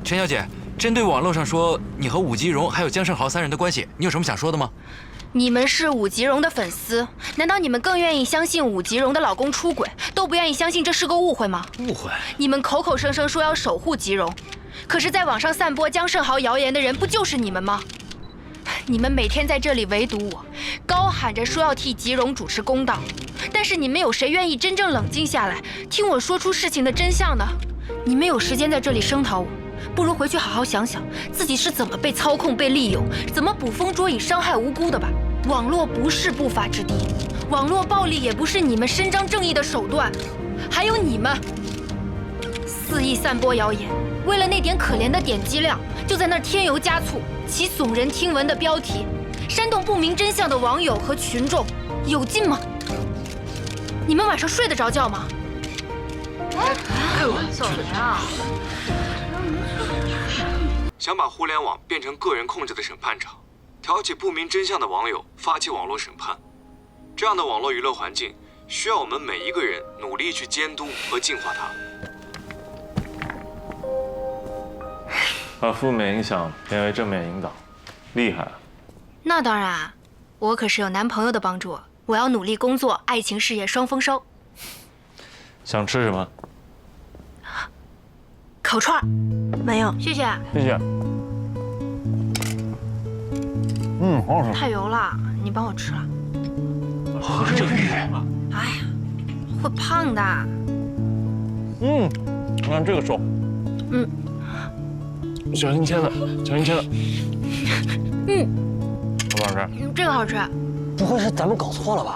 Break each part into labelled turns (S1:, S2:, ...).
S1: 陈小姐，针对网络上说你和武吉荣还有江胜豪3人的关系，你有什么想说的吗？
S2: 你们是武吉荣的粉丝，难道你们更愿意相信武吉荣的老公出轨，都不愿意相信这是个误会吗？
S1: 误会？
S2: 你们口口声声说要守护吉荣，可是在网上散播江胜豪谣言的人不就是你们吗？你们每天在这里围堵我，高喊着说要替吉荣主持公道，但是你们有谁愿意真正冷静下来，听我说出事情的真相呢？你们有时间在这里声讨我，不如回去好好想想自己是怎么被操控、被利用，怎么捕风捉影、伤害无辜的吧。网络不是不法之地，网络暴力也不是你们伸张正义的手段。还有你们，肆意散播谣言，为了那点可怜的点击量，就在那儿添油加醋，起耸人听闻的标题，煽动不明真相的网友和群众，有劲吗？你们晚上睡得着觉吗？
S3: 怎么样？
S1: 想把互联网变成个人控制的审判场，挑起不明真相的网友发起网络审判，这样的网络舆论环境需要我们每一个人努力去监督和净化它。
S4: 把负面影响变为正面引导，厉害啊！
S2: 那当然，我可是有男朋友的帮助，我要努力工作，爱情事业双丰收。
S4: 想吃什么？
S2: 烤串儿，
S3: 没有，
S2: 谢谢。
S4: 谢谢。好好吃。
S2: 太油了，你帮我吃了。
S4: 喝这个。
S2: 哎呀，会胖的。
S4: 你看这个手。小心切的，小心切的。好不好吃？
S2: 这个好吃。
S5: 不会是咱们搞错了吧？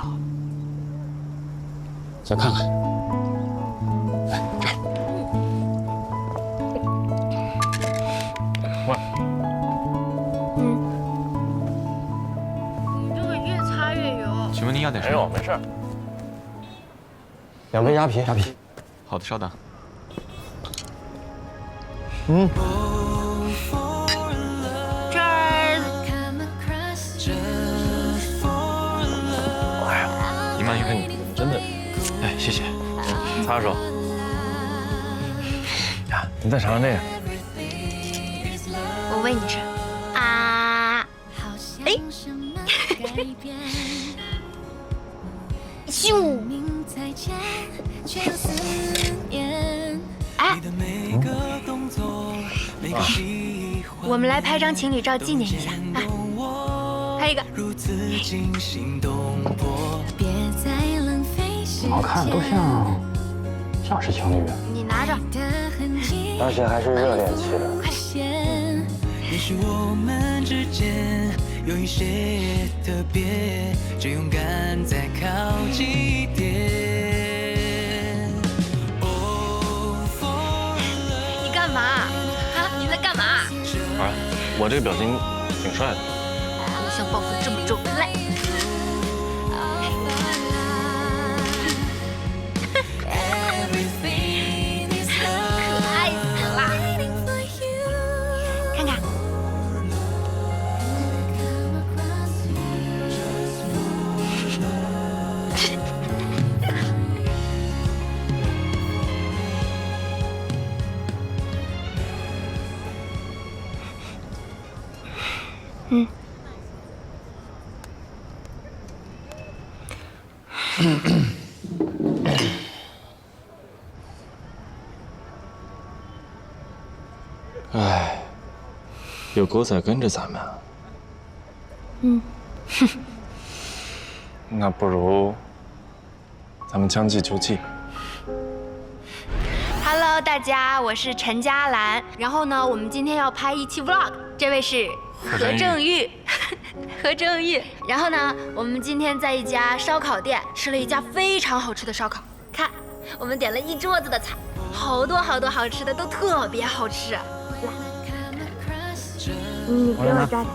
S5: 再看看，哎，这儿。
S4: 喂。
S2: 你这个越擦越油。
S1: 请问您要点什么？
S4: 没有，没事。
S5: 2杯鸭皮，鸭皮。
S1: 好的，稍等。
S2: 这儿。
S4: 哎呀，
S1: 你慢用。
S4: 你真的，
S1: 哎，谢谢。
S4: 擦手。呀，你再尝尝这个。
S2: 我喂你吃。啊！哎！咻！哎！我们来拍张情侣照纪念一下啊！拍一个。
S5: 好看，都像是情侣，
S2: 你拿着。
S5: 而且还是热恋期的。
S6: 也许我们之间有一些特别，就勇敢再靠近一点。
S2: 你干嘛？啊？你在干嘛？
S4: 啊，我这个表情挺帅的。
S2: 偶像包袱这么重，来。
S4: 哎，有狗仔跟着咱们啊。那不如咱们将计就计。
S2: Hello， 大家，我是陈嘉兰。然后呢，我们今天要拍一期 vlog， 这位是何正玉，何正玉。然后呢，我们今天在一家烧烤店吃了一家非常好吃的烧烤。看，我们点了一桌子的菜，好多好多好吃的，都特别好吃。来，你给我抓点。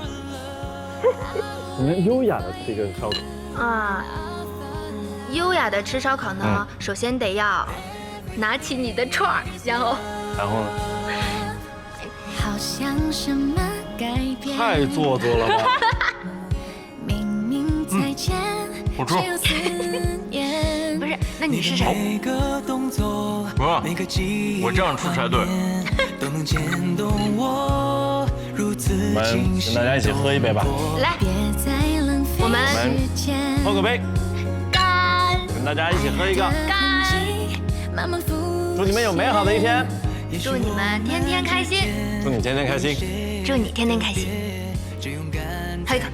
S4: 你们优雅的吃一个烧烤
S2: 啊，优雅的吃烧烤呢，首先得要拿起你的串儿，然后
S4: 呢？
S7: 好像什么改变，
S4: 太做作了吧！
S7: 明明再见，
S4: 不错。
S2: 不是那你是谁？
S6: 每个动作，
S4: 不是
S6: 每个记忆，
S4: 我这样出才对。
S6: 都能牵动我，如此清晰。
S4: 跟大家一起喝一杯吧。
S2: 来，
S7: 别在浪费
S2: 我们
S7: 时间。
S4: 喝个杯，
S2: 干！
S4: 跟大家一起喝一个。
S7: 慢慢复
S4: 祝你们有美好的一天，
S2: 祝你们天天开心，
S4: 祝你天天开心。
S2: 祝你天天开心。喝一个。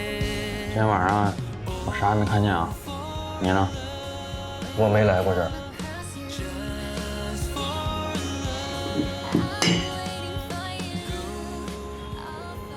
S5: 今天晚上我啥也没看见啊，你呢？
S3: 我没来过这儿。